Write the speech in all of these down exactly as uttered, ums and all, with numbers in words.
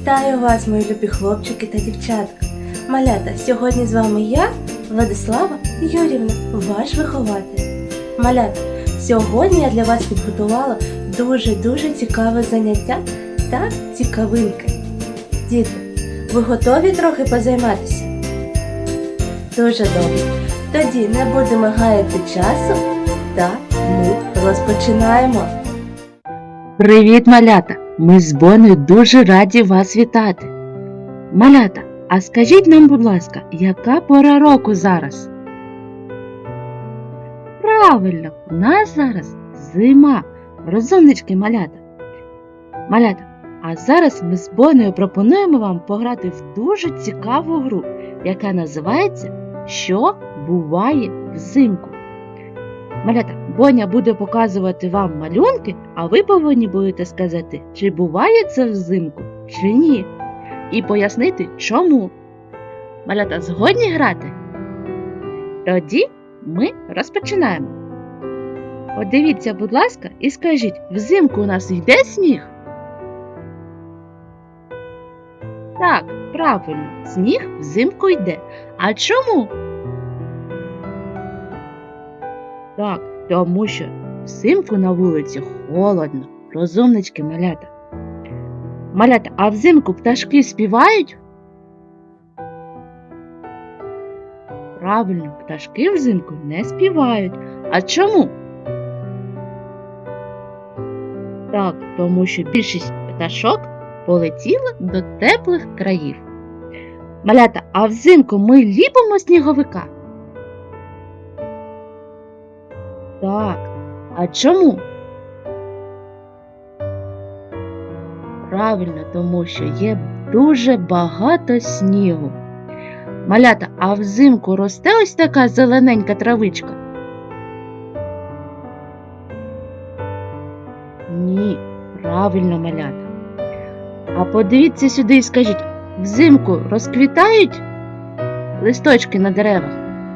Вітаю вас, мої любі хлопчики та дівчатка. Малята, сьогодні з вами я, Владислава Юрівна, ваш вихователь. Малята, сьогодні я для вас підготувала дуже-дуже цікаве заняття та цікавинки. Діти, ви готові трохи позайматися? Дуже добре. Тоді не будемо гаяти часу та ми розпочинаємо. Привіт, малята! Ми з Бонею дуже раді вас вітати. Малята, а скажіть нам, будь ласка, яка пора року зараз? Правильно, у нас зараз зима. Розумнички, малята. Малята, а зараз ми з Бонею пропонуємо вам пограти в дуже цікаву гру, яка називається «Що буває взимку?». Малята, Боня буде показувати вам малюнки, а ви повинні будете сказати, чи буває це взимку, чи ні. І пояснити, чому. Малята, згодні грати? Тоді ми розпочинаємо. Подивіться, будь ласка, і скажіть, взимку у нас йде сніг? Так, правильно, сніг взимку йде. А чому? Так, тому що взимку на вулиці холодно. Розумнички, малята. Малята, а взимку пташки співають? Правильно, пташки взимку не співають. А чому? Так, тому що більшість пташок полетіла до теплих країв. Малята, а взимку ми ліпимо сніговика? Так, а чому? Правильно, тому що є дуже багато снігу. Малята, а взимку росте ось така зелененька травичка? Ні, правильно, малята. А подивіться сюди і скажіть, взимку розквітають листочки на деревах?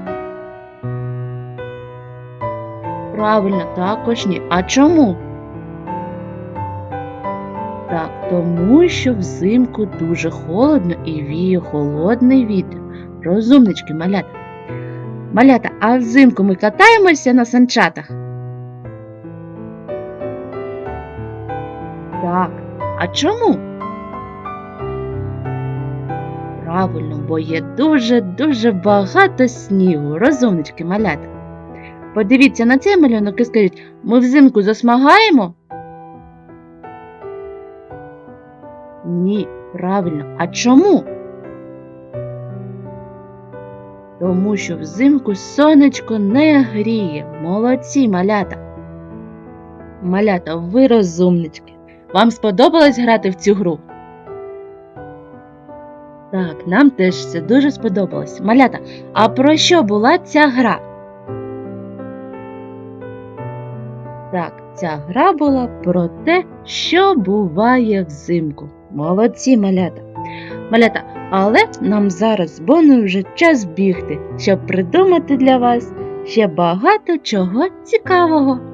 Правильно, також ні. А чому? Так, тому що взимку дуже холодно і віє холодний вітер. Розумнички, малята. Малята, а взимку ми катаємося на санчатах? Так, а чому? Правильно, бо є дуже-дуже багато снігу. Розумнички, малята. Подивіться на цей малюнок і скажіть, ми взимку засмагаємо? Ні, правильно. А чому? Тому що взимку сонечко не гріє. Молодці, малята. Малята, ви розумнички. Вам сподобалось грати в цю гру? Так, нам теж це дуже сподобалось. Малята, а про що була ця гра? Так, ця гра була про те, що буває взимку. Молодці, малята. Малята, але нам зараз з Бонею вже час бігти, щоб придумати для вас ще багато чого цікавого.